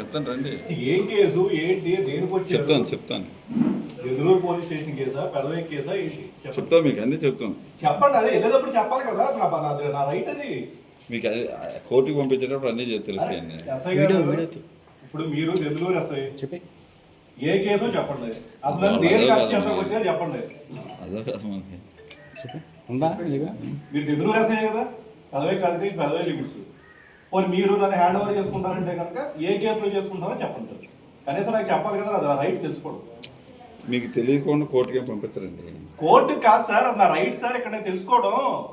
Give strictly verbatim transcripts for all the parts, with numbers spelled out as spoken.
చెప్తాను రండి. ఏం కేసు ఏంటి దేనికి వచ్చి చెప్తాను చెప్తాను ఎదురూరు పోలీస్ స్టేషన్ కేసా పెదవే కేసా ఏంటి చెప్తాను మీకు అన్నీ చెప్తాను. చెప్పండి. అదే వెళ్ళేటప్పుడు చెప్పాలి కదా, నా నా రైట్ అది. మీకు అది కోర్టుకి పంపించేటప్పుడు అన్నీ తెలుస్తాయండి. ఎస్ఐ గారు ఇప్పుడు మీరు ఎదురూరు ఎస్ఐ చెప్పి ఏ కేసో చెప్పండి, అసలు దేనికి అరెస్ట్ చేస్తా కొట్టారు చెప్పండి. అదో కదా మనకి మీరు ఎదురూరు ఎస్ఐ కదా, పెదవే కాదు పెదవే లిమిట్స్. పోనీ మీరు నన్ను హ్యాండ్ ఓవర్ చేసుకుంటారంటే కనుక ఏ కేసులో చేసుకుంటారో చెప్పండి. కనీసం నాకు చెప్పాలి కదా, అది రైట్ తెలుసుకోవడం. మీకు తెలియకుండా కోర్టుకి పంపించరండి. కోర్టుకి కాదు సార్, అది నా రైట్ సార్. ఇక్కడ తెలుసుకోవడం.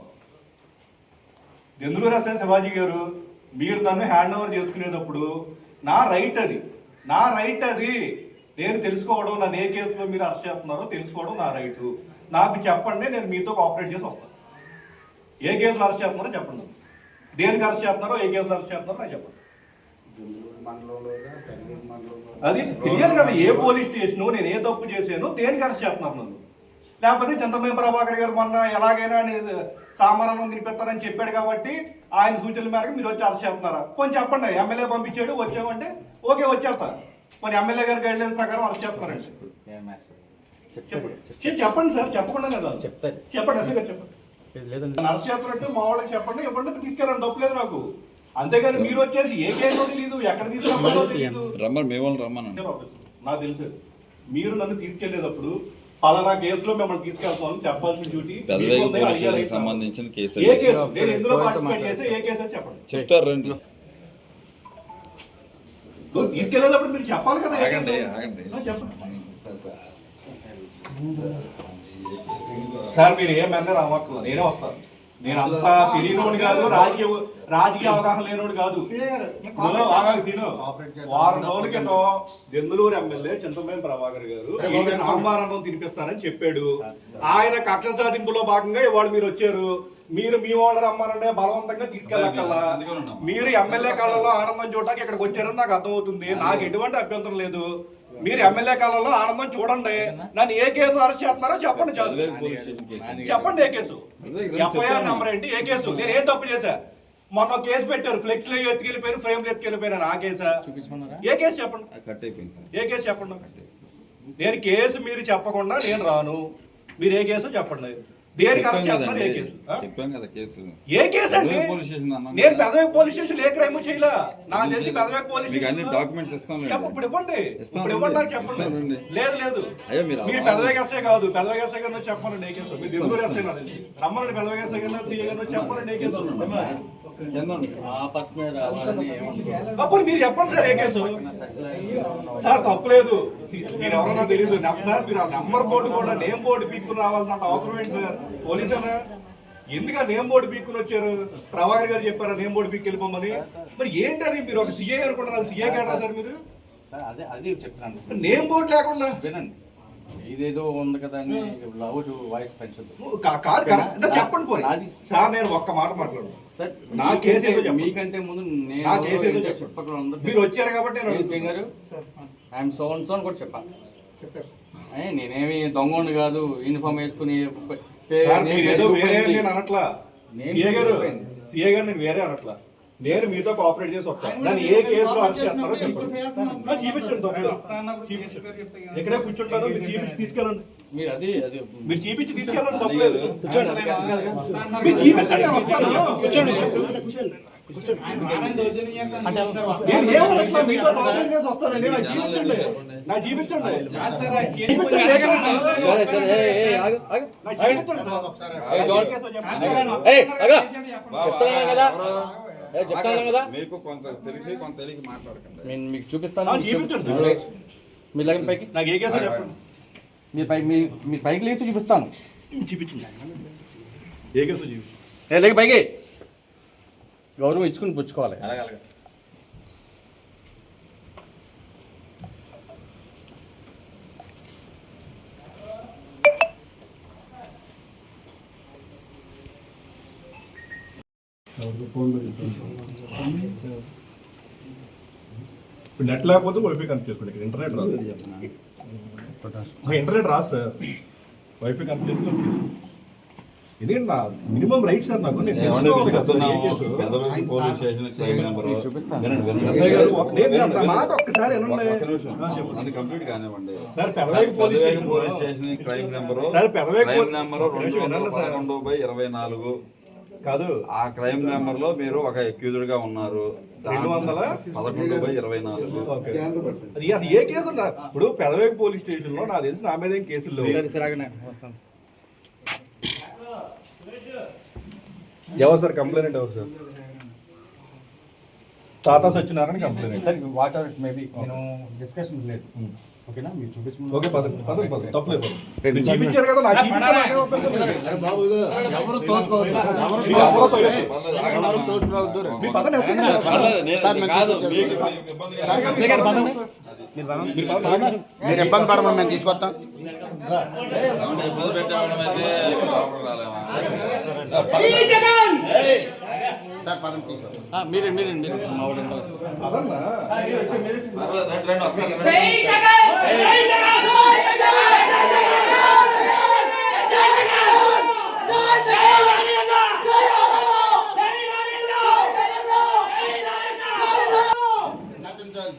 ఎందుకు రాశారు శివాజీ గారు, మీరు నన్ను హ్యాండ్ ఓవర్ చేసుకునేటప్పుడు నా రైట్ అది, నా రైట్ అది. నేను తెలుసుకోవడం, నన్ను ఏ కేసులో మీరు అరెస్ట్ చేస్తున్నారో తెలుసుకోవడం నా రైటు. నాకు చెప్పండి, నేను మీతో కోఆపరేట్ చేసి వస్తాను. ఏ కేసులో అరెస్ట్ చేస్తున్నారో చెప్పండి, దేనికి అరెస్ట్ చేస్తున్నారో ఏ కేసులో అరెస్ట్ చేస్తున్నారో నాకు చెప్పండి. అది తెలియాలి కదా, ఏ పోలీస్ స్టేషన్, నేను ఏ తప్పు చేశాను, దేనికి అరెస్ట్ చేస్తున్నారు నన్ను. లేకపోతే చింతమనేని ప్రభాకర్ గారు మొన్న ఎలాగైనా సామాన్యం తినిపిస్తారని చెప్పాడు కాబట్టి ఆయన సూచనల మేరకు మీరు వచ్చి అరెస్ట్ చేస్తున్నారా? కొంచెం చెప్పండి. ఎమ్మెల్యే పంపించాడు వచ్చామంటే ఓకే వచ్చేస్తా. కొన్ని ఎమ్మెల్యే గారి గైడ్ లైన్స్ ప్రకారం అరెస్ట్ చేస్తున్నారండి. చెప్పండి సార్, చెప్పకుండా కదా చెప్పండి. అసలు చెప్పండి, అరెస్ట్ చేస్తున్నట్టు మా వాళ్ళకి చెప్పండి, ఇవ్వండి తీసుకెళ్ళండి, తప్పులేదు నాకు. అంతేగాని మీరు వచ్చేసి ఏ కేసులో తెలియదు, ఎక్కడ తీసుకెళ్ళాలో తెలియదు. రమ్మని మేము రమ్మని నాకు తెలుసు. మీరు నన్ను తీసుకెళ్లేటప్పుడు పలానా కేసులో మిమ్మల్ని తీసుకెళ్తామని చెప్పాల్సిన డ్యూటీ సంబంధించిన కేసు. ఏ కేసు నేను ఎందులో పార్టిసిపేట్ చేస్తే ఏ కేసు అని చెప్పండి. చెప్తారు రండి. తీసుకెళ్లేటప్పుడు మీరు చెప్పాలి కదా. ఆగండి ఆగండి చెప్పండి సార్, మీరు ఏమన్నా రావట్లేదు, నేనే వస్తాను. నేను అంతా తెలియనోడు కాదు, రాజకీయ రాజకీయ అవగాహన లేనోడు కాదు. వారం రోజుల క్రితం దెందులూరు ఎమ్మెల్యే చింతమనేని ప్రభాకర్ గారు సాంబార్ అన్నం తినిపిస్తారని చెప్పాడు. ఆయన కక్ష సాధింపులో భాగంగా ఇవాళ మీరు వచ్చారు. మీరు మీ వాళ్ళు రమ్మానంటే బలవంతంగా తీసుకెళ్ళక్కల్లా. మీరు ఎమ్మెల్యే కాలంలో ఆనందం చూడటానికి ఇక్కడికి వచ్చారని నాకు అర్థమవుతుంది. నాకు ఎటువంటి అభ్యంతరం లేదు. మీరు ఎమ్మెల్యే కాలంలో ఆనందం చూడండి. నన్ను ఏ కేసు అరెస్ట్ చేస్తున్నారో చెప్పండి. చెప్పండి ఏ కేసు, ఎఫ్ఐఆర్ నెంబర్ ఏంటి, ఏ కేసు, నేను ఏం తప్పు చేశా? మొన్న కేసు పెట్టారు, ఫ్లెక్స్ లో ఎత్తుకెళ్ళిపోయారు, ఫ్రేమ్ లో ఎత్తుకెళ్ళిపోయారు. ఆ కేసా? ఏ కేసు చెప్పండి, ఏ కేసు చెప్పండి. నేను కేసు మీరు చెప్పకుండా నేను రాను. మీరు ఏ కేసు చెప్పండి, దేనికి అరెస్ట్ చేస్తున్నారు, ఏ కేసు? చెప్పాం కదా కేసు. ఏ కేసు అండి? నేను పెదవే పోలీస్ స్టేషన్ ఏ క్రైమ్ చేయలే. నాకు తెలిసి పెదవే పోలీస్ స్టేషన్ డాక్యుమెంట్స్ ఇస్తాను. ఇప్పుడు ఇవ్వండి, ఇప్పుడు ఇవ్వండి, నాకు చెప్పండి. లేదు లేదు, మీరు పెదవే ఎస్ఐ కాదు, పెదవే ఎస్ఐ గారు చెప్పండి ఏ కేసు. మీరు తెలుగు ఎస్ఐ నాకు తెలిసి రమ్మనండి, పెదవే ఎస్ఐ గారు సీఏ గారు చెప్పండి ఏ కేసు. అప్పుడు మీరు చెప్పండి సార్ ఏ కేసు. సార్ తప్పులేదు, మీరు ఎవరన్నా తెలియదు సార్. మీరు ఆ నెంబర్ బోర్డు కూడా నేమ్ బోర్డు పీక్కుని రావాల్సినంత అవసరం ఏంటి సార్? పోలీసునా ఎందుకు నేమ్ బోర్డు పీక్కుని వచ్చారు? ప్రభాకర్ గారు చెప్పారా నేమ్ బోర్డు పీక్కి వెళ్ళిపోమని? మరి ఏంటది, మీరు ఒక సీఏ అనుకుంటున్నారు, సీఏ కాదా సార్ మీరు? నేమ్ బోర్డు లేకుండా ఇదేదో ఉంది కదా అని లౌడ్ వాయిస్ పెంచదు. కాదు కరెక్ట్ చెప్పండి పోనీ సార్. నేను ఒక్క మాట మాట్లాడు సార్. నా కేసు ఏదో మీకంటే ముందు నా కేసు ఏదో చుట్టుపక్కల మీరు వచ్చారు కాబట్టి ఐఎమ్ సో అండ్ సో అని కూడా చెప్పాను. నేనేమి దొంగోండి కాదు, యూనిఫామ్ వేసుకుని ఏదో వేరే నేను అనట్లా. సీఏ గారు సీఏ గారు నేను వేరే అనట్లా. నేను మీతో కోఆపరేట్ చేసి వస్తాను. దాన్ని ఏ కేసులో అరెస్ట్ చేస్తారో చెప్పండి, చూపించండి. ఎక్కడే కూర్చుంటారో మీరు చూపించి తీసుకెళ్ళండి. మీరు అది అది మీరు చూపించి తీసుకెళ్ళండి, తప్పలేదు. మీరు చూపించండి, వస్తాను. నేను ఏమన్నా మీతో కోఆపరేట్ చేసి వస్తానండి. నాకు చూపించండి, నాకు చూపించండి. చెప్తాను కదా, మీకు కొంత తెలిసి కొంత తెలియక మాట్లాడకండి. నేను మీకు చూపిస్తాను. మీరు లగన్ పైకి నాకు ఏ కేసు చెప్పండి. మీరు పైకి మీరు పైకి లేచి చూపిస్తాను. చూపించండి, ఏ కేసు చూపించండి. ఏ లేక పైకి గౌరవం ఇచ్చుకుని పుచ్చుకోవాలి. ఇప్పుడు నెట్ లేకపోతే వైఫై కనెక్ట్ చేసుకోండి. ఇక్కడ ఇంటర్నెట్ రాదు, ఇంటర్నెట్ రాదు సార్. వైఫై కనెక్ట్ చేసుకుని ఎందుకంటే నా మినిమం రైట్ సార్ నాకు నేను ఏమండి తెలుసుకోవాలి మీకు కదా సార్ చెప్తున్నాము, ఏ కేసు. పెద్దవైపు పోలీస్ స్టేషన్ క్రైమ్ నెంబరు. చూపిస్తాను. వినండి, వినండి. ఎస్ఐ గారు ఒక- నేను నేను నా మాట ఒక్కసారి ఒక్క వినండి. నిమిషం. ఆ, చెప్పండి. అది కంప్లీట్ కానివ్వండి. Sir Pedavegi police Peddavegi station police station crime number sir, Pedavegi crime police number రెండు వందల వినండి సార్. పదకొండు బై ఇరవై నాలుగు. కాదు ఆ క్రైమ్ నెంబర్ లో మీరు ఒక అక్యూజ్డ్ గా ఉన్నారు. రెండు వందల పదకొండు బై ఇరవై నాలుగు. ఓకే. అది అసలు ఏ కేసు ఉన్నా ఇప్పుడు పెదవేగి పోలీస్ స్టేషన్ లో నాకు తెలిసి నా మీద ఏం కేసులు లేవు. సరే సరే ఆగండి. వస్తాను. ఎవరు సార్ కంప్లైంట్ ఎవరు sir? Tata Satyanarayana complaint. Sir whatever maybe నేను డిస్కషన్ లేదు. ఓకేనా మీరు చూపించు. ఓకే పదండి పదండి పదండి తప్పలేదు పదండి. మీరు చూపించారు కదా నాకు చూపించారు, నాకేం అభ్యంతరం లేదు. బాబు ఇదిగో ఎవరు తోసుకోవద్దు ఎవరు మీకు అసలు తోయలేదు. పర్లేదు, ఆగండి ఎవరు అమ్మా. తోసుకోవద్దు మీ పదండి ఎస్ఐ గారు. పర్లేదు, నేను- సార్, మేము కాదు, తీసుకొచ్చాము. మీకు- మీకు ఇబ్బంది కాదు. ఎస్ఐ గారు పదండి. మీరు పదండి. మీరు పదండి, ఆగండి. మీరు ఇబ్బంది పడమని మేము తీసుకొస్తాం. ఏమంటే ఇబ్బంది పెట్టేవాళ్ళం అయితే లోపలికి రాలేమా? సార్ పదండి. సార్ పదం తీసుకొస్తాం. మీరే మీరే మీరు మా వాళ్ళు ఎంతో వస్తారు. పదన్నా. పర్లేదు, రండి, రండి, వస్తాను, రండి. నశించాలి.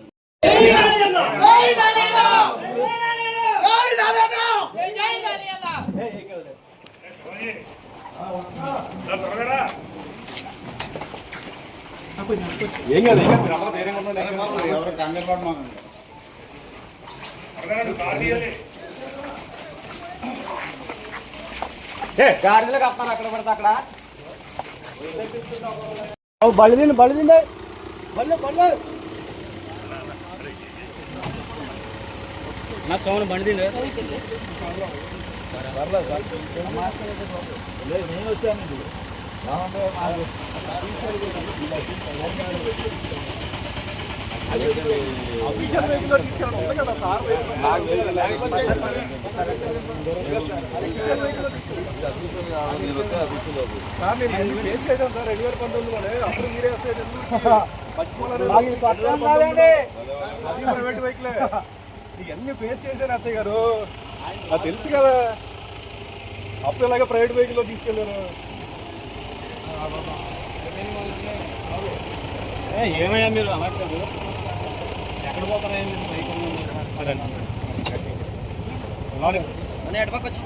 ఏం కాదు ఏం కాదు మీరు అందరూ ధైర్యంగా ఉండండి. సరే బాబు, ఎవరు కంగారు పడమాకండి. గాడిలో కప్పారు అక్కడ పడితే అక్కడ. బలిదిండి బలిదిండి బలి బలి నా సోమను బండి నేను వచ్చాను ఇది. రామంటే నాకు ఆఫీషియల్ వెహికల్ తీసుకెళ్ళండి ఉంది కదా సార్ నాకు లేదు, లేకపోతే నేను వస్తే అఫీషియల్ అవుతుంది. సార్ నేను ఎన్ని కేసు చేశాను సార్ రెండు వేల పంతొమ్మిదిలోనే అప్పుడు మీరే వస్తాయి ప్రైవేట్ వెహికలే ఇవన్నీ ఫేస్ చేశాను అచ్చయ్య గారు నాకు తెలుసు కదా అప్పుడు ఇలాగే ప్రైవేట్ వెహికల్లో తీసుకెళ్ళాను. ఏమయ్యా మీరు అనట్లేదు ఎక్కడ పోతారా ఎడపకొచ్చి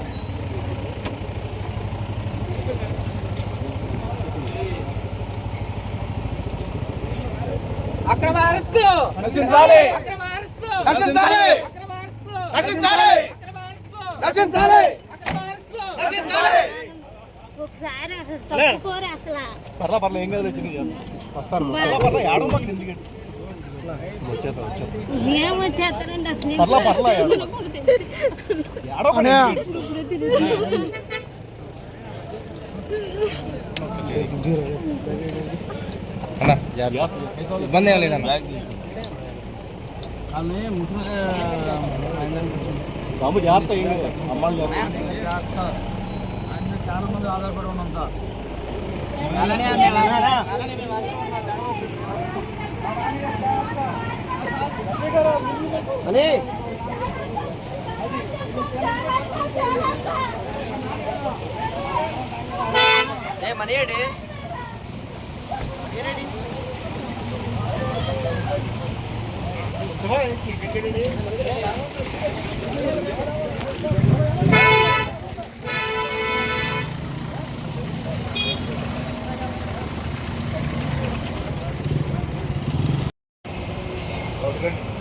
అక్రమ అరెస్టు నశించాలి అక్రమ అరెస్టు నశించాలి అక్రమ అరెస్టు నశించాలి అక్రమ అరెస్టు నశించాలి అక్రమ అరెస్టు నశించాలి. ఒకసారి అసలు తప్పుకోరు అసలు పర్లా పర్లా ఏం కాదు వస్తాను పర్లా పర్లా ఏడవ మాకు ఎందుకంటే ఏం వచ్చేస్తారండి అసలు పర్లా పర్లా ఏడవ ఇబ్బంది ఏం లేదన్న కానీ ముసలి బాబు జాగ్రత్త ఏం కాదు అమ్మాయి చాలా మంది ఆధారపడి ఉన్నాం సార్ మనీడి ఓకే